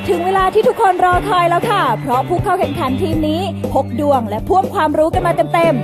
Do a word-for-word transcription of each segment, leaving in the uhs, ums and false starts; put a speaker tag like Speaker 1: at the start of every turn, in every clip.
Speaker 1: ถึงเวลาที่ทุกคนรอคอยแล้วค่ะ เพราะผู้เข้าแข่งขันทีมนี้พกดวงและพ่วงความรู้กันมาเต็ม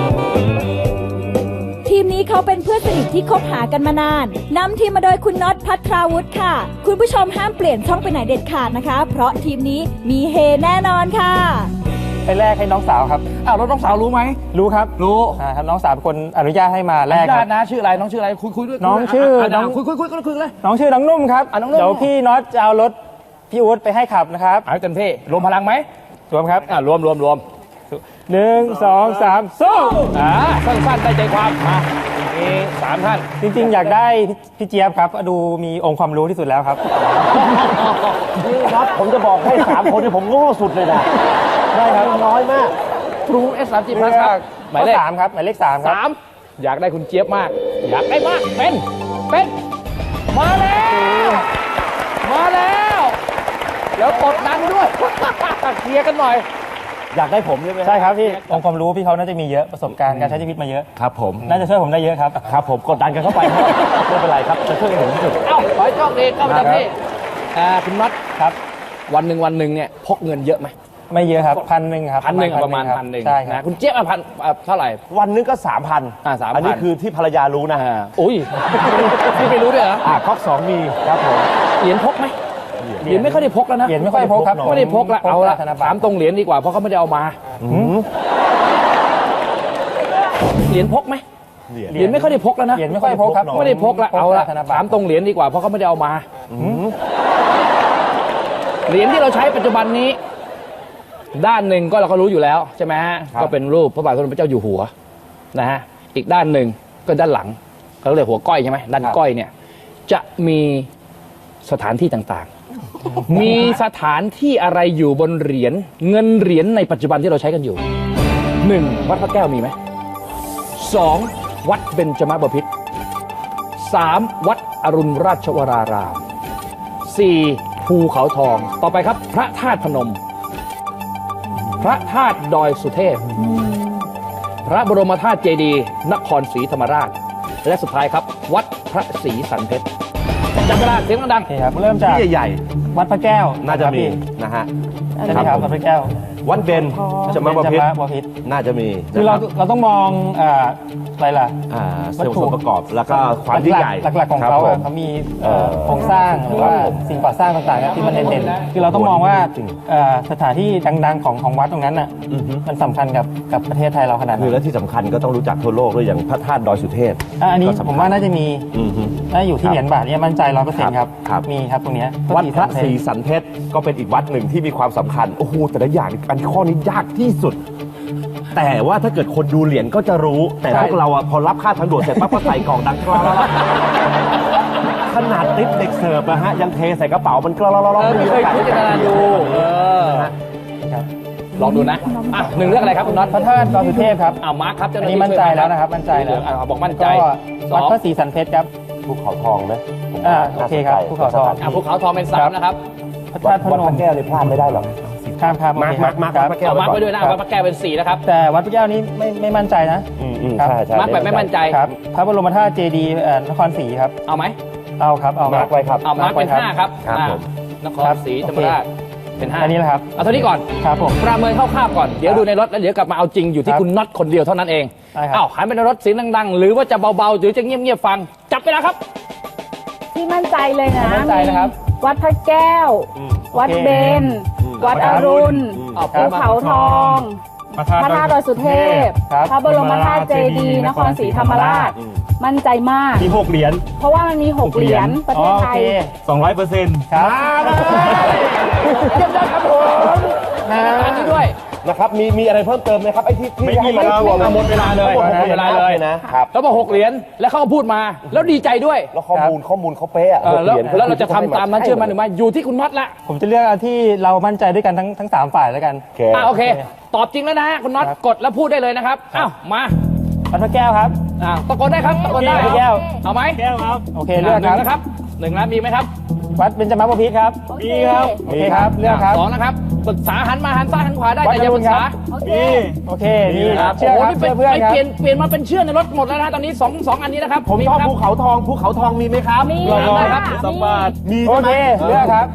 Speaker 1: ๆทีมนี้เขาเป็นเพื่อนสนิทที่คบหากันมานานนำทีมมาโดยคุณน็อตภัทราวุฒิค่ะ คุณผู้ชมห้ามเปลี่ยนช่องไปไหนเด็ดขาดนะคะ เพราะทีมนี้มีเฮแน่นอนค่ะ
Speaker 2: ไปแรกให้น้องสาวครับ
Speaker 3: อ้าวแล้วน้องสาวรู้ไหม
Speaker 2: รู้ครับ
Speaker 3: รู้
Speaker 2: อ่าครับน้องสาวเป็นคนอนุญาตให้มาแรกครับ
Speaker 3: นะชื่ออะไรน้องชื่ออะไรคุยคุยด้วย
Speaker 2: น้องชื่อ
Speaker 3: น้องคุยคุยคุยคุยคุยเลย
Speaker 2: น้องชื่อน้องนุ่มครับ
Speaker 3: น้องนุ่ม
Speaker 2: เดี๋ยวพี่น็อตจะเอารถพี่อู๊ดไปให้ขับนะครับ
Speaker 3: เอาเต็มที่รวมพลังไหม
Speaker 2: รวมครับ
Speaker 3: อ่ารวมรวมรวม
Speaker 2: หนึ่งสองสามสู้
Speaker 3: อ่าสั้นๆได้ใจความมามีสามท่าน
Speaker 2: จริงๆอยากได้พี่เจี๊ยบครับดูมีองค์ความรู้ที่สุดแล้วครับ
Speaker 4: นี่ครับผมจะบอกให้สามคนที่ผมโง่สุดเลยนะ
Speaker 2: ได้ครับ
Speaker 4: น้อยมาก
Speaker 3: ครูเอสสามจีพลัสครับ
Speaker 2: หมายเลขสามครับหมายเลขสามครับ
Speaker 3: สามอยากได้คุณเจี๊ยบมากอยากได้มากเป็นเป็นมาแล้วมาแล้วแล้วกดดันด้วยเคลียร์กันหน่อย
Speaker 4: อยากได้ผมใช่ไหม
Speaker 2: ใช่ครับพี่องค์ความรู้พี่เขาน่าจะมีเยอะประสบการณ์การใช้ชีวิตมาเยอะ
Speaker 4: ครับผม
Speaker 2: น่าจะช่วยผมได้เยอะครับ
Speaker 4: ครับผมกดดันกันเข้าไปไม่เป็นไรครับจะช่วยผมที่สุด
Speaker 3: เอ้าขอให้โชคดีเข้าไปทำที่คุณน็อต
Speaker 2: ครับ
Speaker 3: วันหนึ่งวันหนึ่งเนี่ยพกเงินเยอะไหม
Speaker 2: ไม่เยอะครับพันหนึ่งครับ
Speaker 3: พันหนึ่งประมาณพันหนึ่ง
Speaker 2: ใช่ครับ
Speaker 3: คุณเจี๊ยบพันเท่าไหร่
Speaker 4: วันนึงก็สามพัน
Speaker 3: อ่าสามพัน
Speaker 4: อันนี้คือที่ภรรยารู้นะฮะ
Speaker 3: อุ้ยพี่ไม่รู้ด้วยเหรอ
Speaker 4: อ่าก๊อกสองมีครับผม
Speaker 3: เหรียญพกไหมเหรียญไม่ค่อยได้พกแล้วนะ
Speaker 2: เหรียญไม่ค่อยพกครับ
Speaker 3: ไม่ได้พกแล้วเอาละถามตรงเหรียญดีกว่าเพราะเขาไม่ได้เอามาเหรียญพกไหมเหรียญไม่ค่อยได้พกแล้วนะ
Speaker 2: เหรียญไม่ค่อยพกครับ
Speaker 3: ไม่ได้พกแล้วเอาละถามตรงเหรียญดีกว่าเพราะเขาไม่ได้เอามาเหรียญที่เราใช้ปัจจุบันนี้ด้านหนึ่งก็เราก็รู้อยู่แล้วใช่ไหมฮะก็เป็นรูปพระบาทสมเด็จพระเจ้าอยู่หัวนะฮะอีกด้านหนึ่งก็ด้านหลังเขาเรียกหัวก้อยใช่ไหมด้านก้อยเนี่ยจะมีสถานที่ต่างๆมีสถานที่อะไรอยู่บนเหรียญเงินเหรียญในปัจจุบันที่เราใช้กันอยู่หนึ่งวัดพระแก้วมีไหมสองวัดเบญจมบพิตรสามวัดอรุณราชวรารามสี่ภูเขาทองต่อไปครับพระธาตุพนมพระธาตุดอยสุเทพพระบรมธาตุเจดีย์นครศรีธรรมราชและสุดท้ายครับวัดพระศรีสันเพชรจับเวลาเสียงดัง
Speaker 2: ๆครับเริ่มจาก
Speaker 4: ที่ใหญ่
Speaker 2: ๆวัดพระแก้ว
Speaker 4: น่าจะมีนะฮะ
Speaker 2: ใช่ไหมครับวัดพระแก้ว
Speaker 4: วัดเบญจมบพิตรน่าจะมี
Speaker 2: คือเราเราต้องมองอะไรล่ะ
Speaker 4: วัตถุประกอบแล้วก็ความยิ่งใหญ่
Speaker 2: หลักๆของเขาเขามีโครงสร้างหรือว่าสิ่งก่อสร้างต่างๆที่มันเด่นๆคือเราต้องมองว่าสถานที่ดังๆของของวัดตรงนั้นน่ะมันสำคัญกับกับประเทศไทยเราขนาดไหน
Speaker 4: คือและที่สำคัญก็ต้องรู้จักทั่วโลกด้วยอย่างพระธาตุดอยสุเทพ
Speaker 2: อันนี้ผมว่าน่าจะมีน่าอยู่ที่เหรียญบาทเนี่ยมั่นใจร้อยเปอร์เซ็นต์ครับมีครับตรงนี้
Speaker 4: วัดพระศรีสันเพชรก็เป็นอีกวัดหนึ่งที่มีความสำคัญโอ้โหแต่ละอย่างอันข้อนี้ยากที่สุดแต่ว่าถ้าเกิดคนดูเหรียญก็จะรู้แต่พวกเราอะพอรับค่าทางด่วนเสร็จปั๊บก็ใส่กล่องดังกรอบขนาดติ๊บเด็กเสิร์ฟนะฮะยังเทใส่กระเป๋ามันกรอบ
Speaker 3: ไม่เคยพิจารณาดูลองดูนะอ่ะหนึ่งเรื่องอะไรครับคุณน็อต
Speaker 2: พระธาตุดอยสุเทพครับ
Speaker 3: อ่ามาร์คครับ
Speaker 2: อันนี้มั่นใจแล้วนะครับมั่นใจแล้ว
Speaker 3: บอกมั่นใจ
Speaker 2: วัดพระศรีสันเพชรครับ
Speaker 4: ภูเขาทองไหม
Speaker 2: อ่าโอเคครับภูเขาทอง
Speaker 3: อ่าภูเขาทองเป็นสามนะครับ
Speaker 2: พระธาตุพนม
Speaker 4: วัดพระแก้วเลยพลาดไม่ได้หรอก
Speaker 2: ข้ามข้าม
Speaker 4: มาร์คมาร์คมาร์คพระแก้ว
Speaker 3: มาร์คไปด้วยนะวัดพระแก้วเป็นสี่นะครับ
Speaker 2: แต่วัดพระแก้วนี้ไม่ไม่มั่นใจนะ
Speaker 4: อืมอืมใช่ใช่
Speaker 3: มาร์คแบบไม่มั่นใจ
Speaker 2: ครับพระบรมธาตุเจดีย์นครศรีครับ
Speaker 3: เอาไหม
Speaker 2: เอาครับเอา
Speaker 4: มาร์คไว้ครับ
Speaker 3: เอามาร์คเป็นห้าครับนครศรีธรรมราชเป็นห้า
Speaker 2: อันนี้แหละครับ
Speaker 3: เอาเท่านี้ก่อน
Speaker 2: ครับผม
Speaker 3: ประเมินคร่าวๆก่อนเดี๋ยวดูในรถแล้วเดี๋ยวกลับมาเอาจริงอยู่ที่คุณน็อตคนเดียวเท่านั้นเองอ้าวหันไปในรถเสียงดังๆหรือว่าจะเบาๆหรือจะเงียบๆฟังจับไปแล้วครับ
Speaker 1: ที่มั่นใจเลยนะ
Speaker 2: มั่นใจนะครับ
Speaker 1: วัดพระแก้ววัดเบญวัดอรุณภูเขาทองพระธาตุดอยสุเทพพระบรมธาตุเจดีย์นครศรีธรรมราชมั่นใจมาก
Speaker 2: มีหกเหรียญ
Speaker 1: เพราะว่ามันมีหกเหรียญประเทศไทย
Speaker 2: สองร้อยเปอร์เซ็นต์ครับ
Speaker 3: เยี่ยมยอดครับผมอันนี้ด้วย
Speaker 4: นะครับมีมีอะไรเพิ่มเติมไหมครับไอ้ที่ที่ให้มัน
Speaker 3: รวมหมดเวลาเลยหมดเวลาเลย
Speaker 4: นะครับ
Speaker 3: แล้วมาหกเหรียญแล้วเขาพูดมาแล้วดีใจด้วย
Speaker 4: แล้วข้อมูลข้อมูลเขาเป๊ะ
Speaker 3: แล้วแล้วเราจะทำตามนั้นเชื่อมันหรือไม่อยู่ที่คุณน็อตละ
Speaker 2: ผมจะเลือกที่เรามั่นใจด้วยกันทั้งทั้งสามฝ่ายแล้วกัน
Speaker 3: อ่าโอเคตอบจริงแล้วนะคุณน็อตกดแล้วพูดได้เลยนะครับอ้าวมา
Speaker 2: วัดพระแก้วครับ
Speaker 3: อ่าตะโกนได้ครับตะโกนได้
Speaker 2: พระแก้ว
Speaker 3: เอาไหม
Speaker 2: แก้วครับโอเคเลือก
Speaker 3: ครับหนึ่งนะมีไหมครับ
Speaker 2: วัดเบญจมบพิตรครับ
Speaker 1: มีครับ
Speaker 2: โอเคครับเลือกครับ
Speaker 3: สองนะครับปรึกษาหันมาหันซ้ายหันขวาได้แต่อย่าปรึกษา
Speaker 2: มีโอเคนี่ครับ
Speaker 3: โอ้โหนี่เพื่อนเปลี่ยนเปลี่ยนมาเป็นเชื่อในรถหมดแล้วนะตอนนี้สองสองอันนี้นะครับ
Speaker 4: ผมชอบภูเขาทองภูเขาทองมีไหมครับ
Speaker 1: มี
Speaker 3: ครับ
Speaker 4: สมบัติ
Speaker 2: มีโอเคเลือกครับ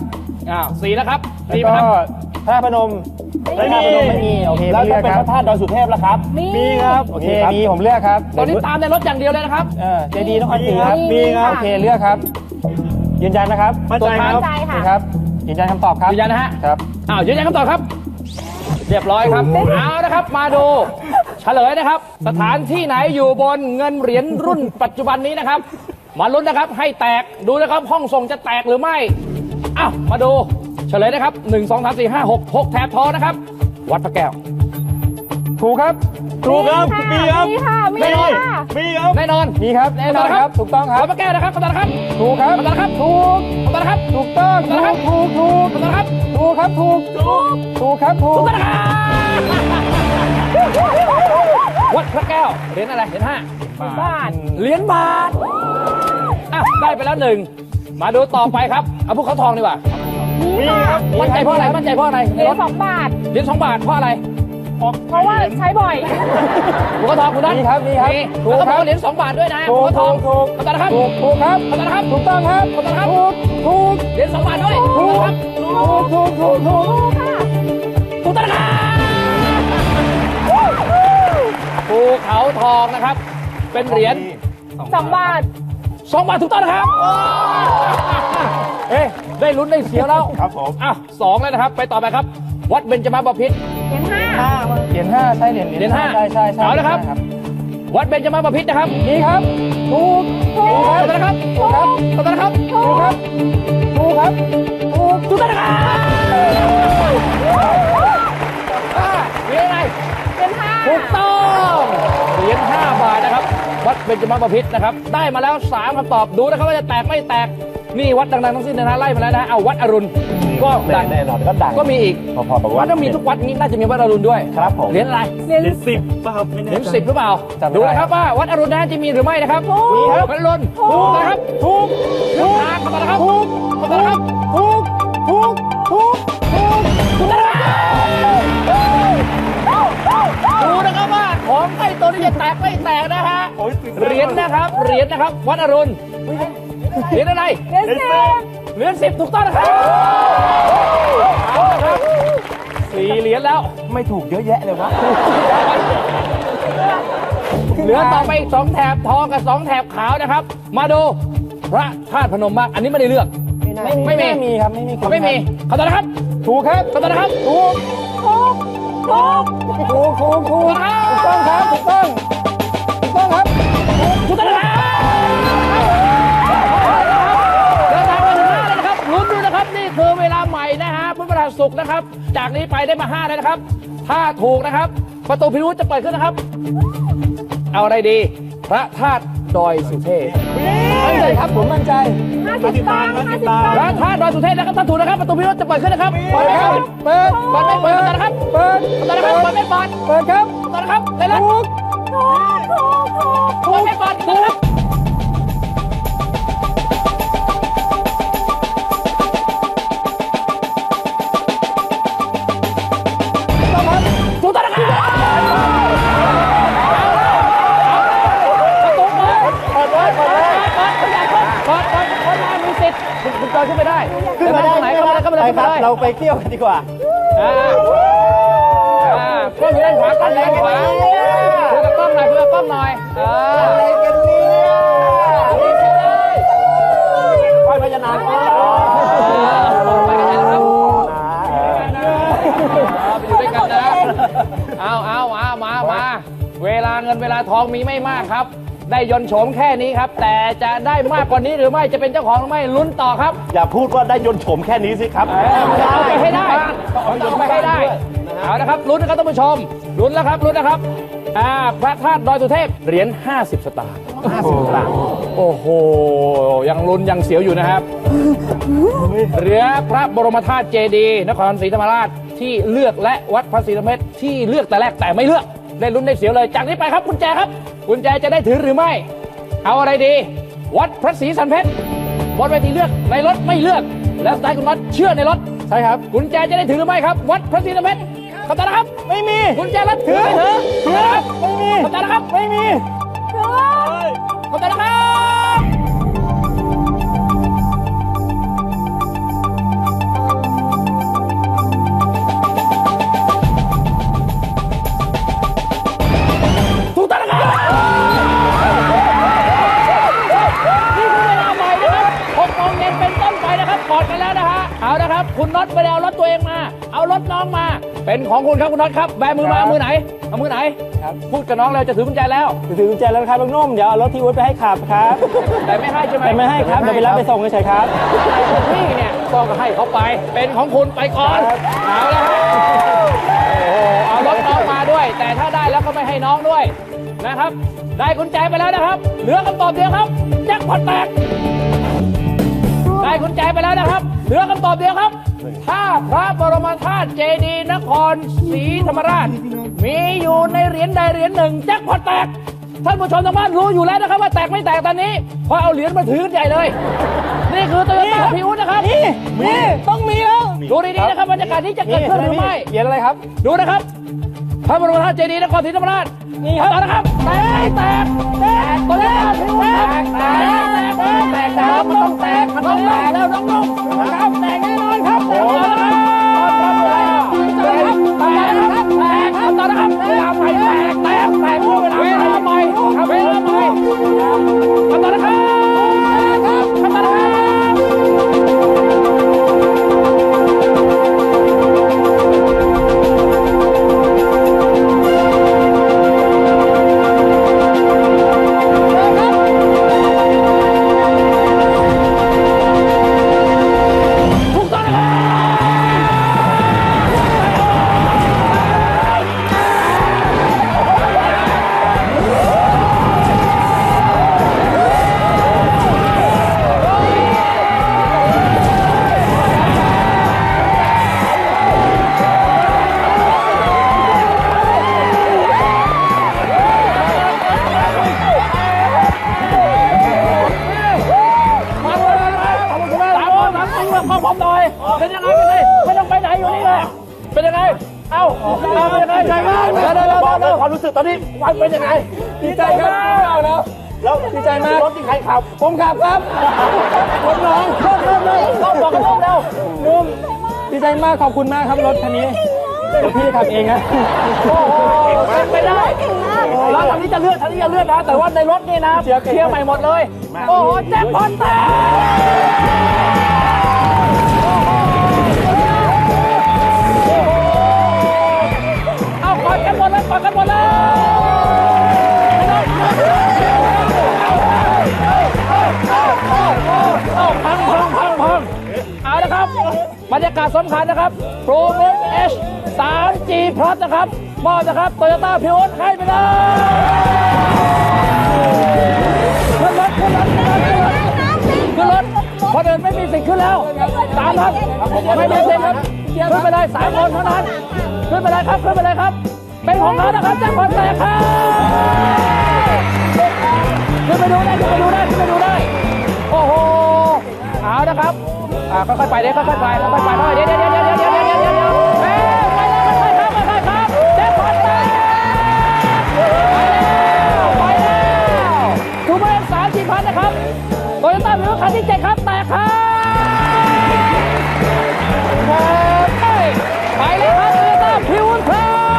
Speaker 3: อ้าวสี่นะครับ
Speaker 2: แล้ว
Speaker 3: สี่
Speaker 2: ก็
Speaker 3: นะครับ
Speaker 2: พระธาตุพนมพระธาตุพนมไม่มีโอเค
Speaker 4: แล้ว
Speaker 2: ไม่เลื
Speaker 4: ถ้า
Speaker 2: อก
Speaker 4: เป็น
Speaker 2: ค
Speaker 4: พ
Speaker 2: รับ
Speaker 4: ระธาตุดอยสุเทพล่ะครับ
Speaker 1: มี
Speaker 2: มีครับโอเคมีผมเลือกครับ
Speaker 3: ตอนนี้ตามในรถอย่างเดียวเลยนะครับ
Speaker 2: เออเจดีย์นครศรีครับ
Speaker 1: มีครับ
Speaker 2: โอเคเลือกครับยืนยันนะครับ
Speaker 4: มั่นใจครับ
Speaker 1: มั่นใจ
Speaker 2: โอ
Speaker 1: ค่ะ
Speaker 2: เคครับยืนยันคำตอบครับ
Speaker 3: ยืนยันนะฮะ
Speaker 2: ครับ
Speaker 3: อ้าวยืนยันคำตอบครับ เรียบร้อยครับ เอานะครับ มาดู เฉลยนะครับ สถานที่ไหนอยู่บนเงินเหรียญรุ่นปัจจุบันนี้นะครับ มาลุ้นนะครับ ให้แตก ดูนะครับ ห้องส่งจะแตกหรือไม่ อ้าว มาดู เฉลยนะครับหนึ่ง สอง สาม สี่ ห้า หก หกแถบทองนะครับ วัดพระแก้ว
Speaker 2: ถูกครับ
Speaker 4: ถูกครับมีครับ
Speaker 1: มีค่ะ มี
Speaker 3: แน่นอน
Speaker 1: ค่ะ
Speaker 4: มีครับ
Speaker 3: แน่นอน
Speaker 2: มีครับแน่นอนครับถูกต้องครับ
Speaker 3: วัดพระแก้วนะครับคำตอบนะครับ
Speaker 2: ถูกครับ
Speaker 3: คำตอบนะครับ
Speaker 2: ถูก
Speaker 3: คำตอบนะครับ
Speaker 2: ถูกต้องถูกถูกถูก
Speaker 3: คำตอบนะครับ
Speaker 2: ถูกครับถูกถูกถูกครับถู
Speaker 3: ถู
Speaker 2: ก
Speaker 3: กต้องนะครับวัดพระแก้วเหรียญอะไรเหรียญห้า
Speaker 1: บาท
Speaker 3: เหรียญบาทอ่ะได้ไปแล้วหนึ่ง มาดูต่อไปครับ เอาภูเขาทองดีกว่า
Speaker 1: มีค่ะ
Speaker 3: มั่นใจเพราะอะไร มั่นใจเพราะอะไร
Speaker 1: เหรียญสองบาท
Speaker 3: เหรียญสองบาทเพราะอะไร
Speaker 1: เพราะว่าใช้บ่อย
Speaker 3: ภูเขาทองคุณนัท
Speaker 2: มีครับมีครับ
Speaker 3: มี
Speaker 2: ถู
Speaker 3: แล้ว
Speaker 2: ก
Speaker 3: ก็
Speaker 2: ครับ
Speaker 3: บอกว่าเหรียญสองบาทด้วยนะ
Speaker 2: ถู
Speaker 3: ภู
Speaker 2: ก
Speaker 3: เขาทอง
Speaker 2: ถูก
Speaker 3: คำตอบนะครับ
Speaker 2: ถูกถูกครับ
Speaker 3: คำตอบนะครับ
Speaker 2: ถูกต้องครับ
Speaker 3: คำตอบนะครับ
Speaker 2: ถูกถูก
Speaker 3: เหรียญสองบาทด้วย
Speaker 2: ถูก
Speaker 3: ครับ
Speaker 2: ถูกถูกถูกถูก
Speaker 1: ค่ะ
Speaker 3: ถูกต้องนะครับภูเขาทองนะครับ เป็นเหรียญ
Speaker 1: สองบาท
Speaker 3: สองบาทถูกต้องนะครับ เอ๊ะได้ลุ้นได้เสียวแล้ว
Speaker 4: ครับผม
Speaker 3: อ่ะสองแล้วนะครับ ไปต่อไปครับ วัดเบญจมาบพิตร
Speaker 1: เหรียญห้า
Speaker 2: เหรียญห้าใช่เหรียญ
Speaker 3: เหรียญห้า
Speaker 2: ใช่ใช่ใช่
Speaker 3: เอาละครับ วัดเบญจมาบพิตรนะครับ
Speaker 2: นี่ครับถูกถูก
Speaker 3: ถูกต้องนะครับ
Speaker 2: ถูกครับ
Speaker 3: ถูกต้องนะครับ
Speaker 2: ถูกครับถูกครับถูก
Speaker 3: ถูกต้องนะครับอ่าเหรียญอะไร
Speaker 1: เหรียญห้า
Speaker 3: ถูกต้องเหรียญห้าบาทนะครับ วัดเบญจมาบพิตรนะครับ ได้มาแล้วสามคำตอบดูนะครับว่าจะแตกไม่แตก นี่วัดดังๆทั้งสิ้นนะฮะไล่มาแล้วนะฮะเอาวัดอรุณก็ดัง
Speaker 4: แน่นอนก็ดัง
Speaker 3: ก็มีอีก
Speaker 4: พอๆกับ
Speaker 3: วั
Speaker 4: วั
Speaker 3: ด
Speaker 4: ด
Speaker 3: ต้องมีทุกวัดนี้น่าจะมีวัดอรุณด้วย
Speaker 4: ครับผม
Speaker 3: เหรียญอะไร
Speaker 1: เหรียญ
Speaker 4: เป็นสิบป่ะครับไม่
Speaker 3: เห
Speaker 4: แน่
Speaker 3: รียญ
Speaker 4: ใจ
Speaker 3: สิบหรือเปล่า ดูนะครับว่าวัดอรุณนะจะมีหรือไม่นะครับ
Speaker 2: มีครับ
Speaker 3: วัดอรุณถูกนะครับ
Speaker 2: ถูก
Speaker 3: ถูกทางคำตอบนะครับ
Speaker 2: ถูก
Speaker 3: คำตอบนะครับ
Speaker 2: ถูกถูกถูกถูก
Speaker 3: ถูกนะครับดูนะครับว่าของใกล้ตัวนี้จะแตกไม่แตกนะฮะ
Speaker 4: โอ้ยตื่นเต้น
Speaker 3: เหรียญนะครับเหรียญนะครับ วัดอรุณเหรียญอะไร
Speaker 1: เหรียญสิบ
Speaker 3: เหรียญสิบถูกต้องนะครับเอาละครับสี่เหรียญแล้ว
Speaker 4: ไม่ถูกเยอะแยะเลยวะ
Speaker 3: เหลือต่อไปอีกสองแถบทองกับสองแถบขาวนะครับ มาดูพระธาตุพนมบ้างอันนี้ไม่ได้เลือก
Speaker 2: ไม่
Speaker 3: ไม่มี
Speaker 2: ไม่มีครับไม่มีคน
Speaker 3: ไม่มีคำตอบนะครับ
Speaker 2: ถูกครับ
Speaker 3: คำตอบนะครับ
Speaker 2: ถูก
Speaker 1: ถูกถูก
Speaker 2: ถูกถูกถูกถูกต้องครับถูกต้องถูกต้องครับ
Speaker 3: ถูกต้องนะครับเดินทางมาถึงห้าแล้วนะครับลุ้นดูนะครับนี่คือเวลาใหม่นะฮะพุทธประศุกร์นะครับ จากนี้ไปได้มาห้าแล้วนะครับ ถ้าถูกนะครับ ประตูพิรุธจะเปิดขึ้นนะครับ เอาอะไรดี พระธาตุดอยสุเทพ
Speaker 2: มั่นใจครับผมมั่นใจ
Speaker 1: ห้าสิบตังค์ห้าสิบตัง
Speaker 3: พ
Speaker 1: ค์
Speaker 3: ระธาตุดอยสุเทพนะครับถ้าถูกนะครับประตูพิรุธจะเปิดขึ้นนะครับเปิ
Speaker 2: เปิ
Speaker 3: ด
Speaker 2: ด
Speaker 3: ไหม
Speaker 2: ค
Speaker 3: ค
Speaker 2: รั
Speaker 3: รั
Speaker 2: บบ เปิด
Speaker 3: เปิดไม่เปิดนะครับ
Speaker 2: เปิด
Speaker 3: เปิดนะครับเปิดไม่เปิด
Speaker 2: เปิดครับ
Speaker 3: เปิดนะครับได้แล้ว
Speaker 2: ถูก
Speaker 3: เปิดไม่เปิดถูก
Speaker 2: ต้องครับ
Speaker 3: ถูกต้องนะครับประตูเปิด
Speaker 2: เปิดไว้เปิดไว้
Speaker 3: เปิดขยายเปิดเปิดเปิดคนมามีสิทธิ์คุณคุณจอยขึ้นไปได้
Speaker 2: ขึ้นมาได้
Speaker 3: ตรงไหนเข้ามาได้เข้ามาได้
Speaker 2: ไป
Speaker 3: เข้า
Speaker 2: ค
Speaker 3: มา
Speaker 2: รับ
Speaker 3: ได้
Speaker 2: เราไปเที่ยวกันดีกว่า
Speaker 3: อ่าอ่าก็อยู่ด้านขวากันด้านขวาคุยกับกล้องหน่อยคุยกับกล้องหน่อยเออ
Speaker 2: อะไรกันเนี่ย
Speaker 4: ไปพญานาค
Speaker 3: ไปกันนะครับไปอยู่ด้วยกันนะ เอาเอาเอามามาเวลาเงินเวลาทองมีไม่มากครับ ได้ยนต์โฉมแค่นี้ครับ แต่จะได้มากกว่านี้หรือไม่จะเป็นเจ้าของหรือไม่ลุ้นต่อครับ
Speaker 4: อย่าพูดว่าได้ยนต์โฉมแค่นี้สิครับ
Speaker 3: เอาไปให้ได้เอาไปให้ได้เอานะครับลุ้นนะครับท่านผู้ชมลุ้นแล้วครับลุ้นนะครับอ่าพระธาตุดอยสุเทพเหรียญห้าสิบสตางค์ห้าสิบสตางค์โอ้โหยังลุ้นยังเสียวอยู่นะครับเหลือพระบรมธาตุเจดีย์นครศรีธรรมราชที่เลือกและวัดพระศรีธรรมเมตรที่เลือกแต่แรกแต่ไม่เลือกได้ลุ้นได้เสียวเลยจากนี้ไปครับกุญแจครับกุญแจจะได้ถือหรือไม่ เอาอะไรดี วัดพระศรีสันเพชรบนเวทีเลือกในรถไม่เลือก แล้วสไตล์คุณน็อตเชื่อในรถ
Speaker 2: ใช่ครับ
Speaker 3: กุญแจจะได้ถือหรือไม่ครับ วัดพระศรีสันเพชรคำตอบนะครับ
Speaker 2: ไม่มี
Speaker 3: กุญแจรถถือไม่ถือถือนะครับ
Speaker 2: ไม่มี
Speaker 3: คำตอบนะครับ
Speaker 2: ไม่มี
Speaker 3: คำตอบนะครับอดกันแล้วนะฮะเอาละครับคุณน็อตไปเอารถตัวเองมาเอารถน้องมาเป็นของคุณครับคุณน็อตครับแบมือมาเอามือไหนเอามือไหนครับพูดกับน้องเลยจะถือกุญแจแล้ว
Speaker 2: ถือกุญแจแล้วครับลุงนุ่มเดี๋ยวเอารถที่วุฒิไปให้ขับครับ
Speaker 3: แต่ไม่ให้ใช่ไหม
Speaker 2: แต่ไม่ให้ครับเดี๋ยวไปรับไปส่งเฉยๆครับ
Speaker 3: นี่เนี่ยก็ให้เขาไปเป็นของคุณไปก่อนเอาละฮะโอ้เอารถน้องมาด้วย แต่ถ้าได้แล้วก็ไม่ให้น้องด้วยนะครับได้กุญแจไปแล้วนะครับเหลือคำตอบเดียวครับแจ็คพอตแตกได้กุญแจไปแล้วนะครับเหลือคำตอบเดียวครับถ้าพระบรมธาตุเจดีย์นครศรีธรรมราชมีอยู่ในเหรียญใดเหรียญหนึ่งแจ็คพอตแตกท่านผู้ชมทางบ้านรู้อยู่แล้วนะครับว่าแตกไม่แตกตอนนี้พอเอาเหรียญมาถือกันใหญ่เลยนี่คือโตโยต้าพิวนะครับนี่นี่ต้องมีแล้วดูดีๆนะครับบรรยากาศนี้จะเกิดขึ้นหรือไม่
Speaker 2: เหรียญอะไรครับ
Speaker 3: ดูนะครับพระบรมธาตุเจดีย์นครศรีธรรมราชนี่ครับต่อนะครับแตกแตกแตกโตโยต้าพิวแตกแตกแตกแตกแตกมันต้องแตกมันต้องแตกแล้วน้องๆครับแตกแน่นอนครับแตกนะครับแตกครับแตกครับแตกครับต่อนะครับเวลาใหม่แตกแตกแตกเวลาใหม่เวลาใหม่ทำต่อนะครับทำต่อนะครับเป็นยังไงเป็นไงไม่ต้องไปไหนอยู่นี่เลยเป็นยังไงเอ้าเป็นยังไงใจมากเร็วเร็วเร็วความรู้สึกตอนนี้วันเป็นยังไงดีใจครับแล้วแล้วดีใจมากรถที่ใครขับผมขับครับรถน้องเริ่มเริ่มเลยต้องบอกกันเริ่มเร็วนุ่มดีใจมากขอบคุณมากครับรถคันนี้เดี๋ยวพี่ขับเองนะโอ้โหเป็นไปได้แล้วทางนี้จะเลื่อนทางนี้จะเลื่อนนะแต่ว่าในรถนี่นะเชียร์ใหม่หมดเลยโอ้โหแจ็คพอตแตกเอากอดกันหมดเลยกอดกันหมดเลยเอาพังพังพังพังเอาละครับบรรยากาศสำคัญนะครับโปรโมท H สาม จี Plus นะครับมอบนะครับโตโยต้าพิวให้ไปเลยขึ้นรถขึ้นรถขึ้นรถคนอื่นไม่มีสิทธิ์ขึ้นแล้วสามครับไม่มีสิทธิ์ครับขึ้นไปเลยสามคนเท่านั้นขึ้นไปเลยครับขึ้นไปเลยครับเป็นของเรานะครับแจ็คพอตแตกครับขึ้นไปดูได้ขึ้นไปดูได้ขึ้นไปดูได้โอ้โหเอานะครับอ่าค่อยๆไปเดี๋ยวค่อยๆไปค่อยๆไปเดี๋ยวเดี๋ยวเดี๋ยวเดี๋ยวเดี๋ยวเดี๋ยวเดี๋ยวเดี๋ยวไปเลยค่อยๆครับค่อยๆครับแจ็คพอตแตกไปแล้วทูเบอร์สามสี่พันนะครับโตโยต้าพิวคันที่เจ็ดครับแตกครับไปเลยครับโตโยต้าพิวครับ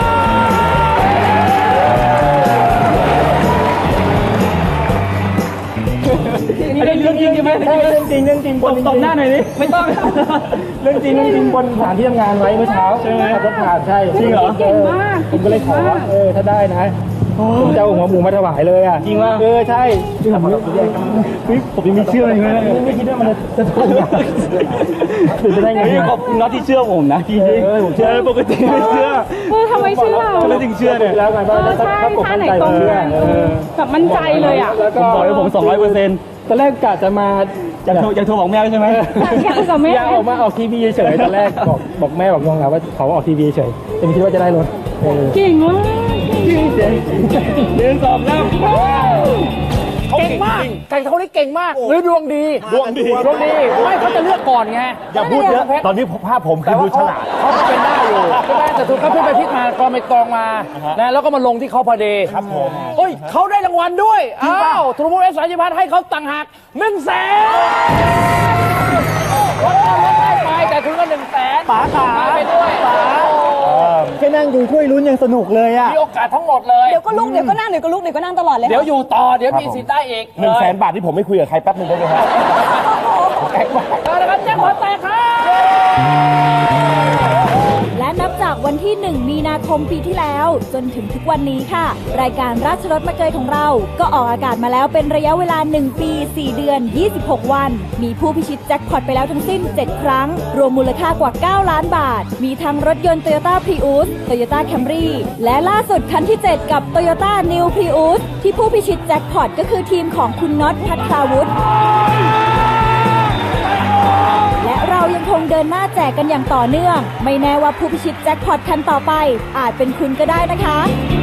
Speaker 2: นี่เรื่องจริงใช่ไหมเรื่องจริงเรื่องจริงบนตบหน้าหน่อยดิไม่ต้องเรื่องจริงเรื่องจริงบนสถานที่ทำงานไว้เมื่อเช้าใช่ไหมขับรถผ่านใช่จริงเหรอเก่งมากผมก็เลยขอเออถ้าได้นะผมจะเอาหัวหมูมาถวายเลยอ่ะจริงว่าเออใช่ผมผมยังไม่เชื่อเลยนะไม่คิดว่ามันจะถูกถึงจะได้ไงขอบคุณน็อตที่เชื่อผมนะจริงเออผมเชื่อปกติไม่เชื่อ
Speaker 1: เออทำไมเชื่อ
Speaker 2: ทำไมถึงเชื่อเนี่ยแล้วไงบ้าง
Speaker 1: ใช่ท่าไหนตรงกันแบบมั่นใจเลยอ่ะ
Speaker 2: แล้วก็บอกให้ผมสองร้อยเปอร์เซ็นต์ตอนแรกกะจะมาอยากโทรอยากโทรบอกแม่ใช่ไหม
Speaker 1: อยากกับแม่
Speaker 2: อยากออกมาออกทีวีเฉยตอนแรกบอกบอกแม่บอกน้องนะว่าเขาออกทีวีเฉยแต่ไม่คิดว่าจะได้รถ
Speaker 1: เก่งมาก
Speaker 2: เรียนสอบแล้ว
Speaker 3: เก่งมากไก่เขานี่เก่งมากหรือดวงดี
Speaker 4: ดวงดี
Speaker 3: ดวงดีไม่เขาจะเลือกก่อนไง
Speaker 4: อย่าพูดเยอะตอนนี้ภาพผมคือดูฉลาด
Speaker 3: เขาเป็นได้อยู่ใช่ไหมแต่ถูกเขาพิจไปพิจมากรองไปกรองมานะแล้วก็มาลงที่เขาพอดี
Speaker 4: ครับผม
Speaker 3: เฮ้ยเขาได้รางวัลด้วยอ้าวทูโบเอสสายพันให้เขาต่างหากหนึ่งแสนรถได้ไปแต่ถึงก็หนึ่งแสน
Speaker 2: ป๋าขา
Speaker 3: ไปด้วยป๋า
Speaker 2: แค่นั่งดูถ้วยลุ้นยังสนุกเลยอ่ะ
Speaker 3: มีโอกาสทั้งหมดเลย
Speaker 5: เดี๋ยวก็ลุกเดี๋ยวก็นั่งเดี๋ยวก็ลุกเดี๋ยวก็นั่งตลอดเลย
Speaker 3: เดี๋ยวอยู่ต่อเดี๋ยวมีสิทธิ์ได้อีก
Speaker 4: หนึ่งแสนบาทที่ผมไม่คุยกับใครแป๊บนึงได้ไหมครับ
Speaker 3: แจ็คพอตแตกนะครับแจ็คพอตแตก
Speaker 6: ที่ หนึ่ง มีนาคมปีที่แล้วจนถึงทุกวันนี้ค่ะ รายการราชรถมาเกยของเราก็ออกอากาศมาแล้วเป็นระยะเวลา หนึ่ง ปี สี่ เดือน ยี่สิบหก วัน มีผู้พิชิตแจ็คพอตไปแล้วทั้งสิ้น เจ็ด ครั้ง รวมมูลค่ากว่า เก้า ล้านบาท มีทั้งรถยนต์ Toyota Prius Toyota Camry และล่าสุดคันที่ เจ็ด กับ Toyota New Prius ที่ผู้พิชิตแจ็คพอตก็คือทีมของคุณน็อต ภัทราวุฒิและเรายังคงเดินหน้าแจกกันอย่างต่อเนื่อง ไม่แน่ว่าผู้พิชิตแจ็คพอตคันต่อไปอาจเป็นคุณก็ได้นะคะ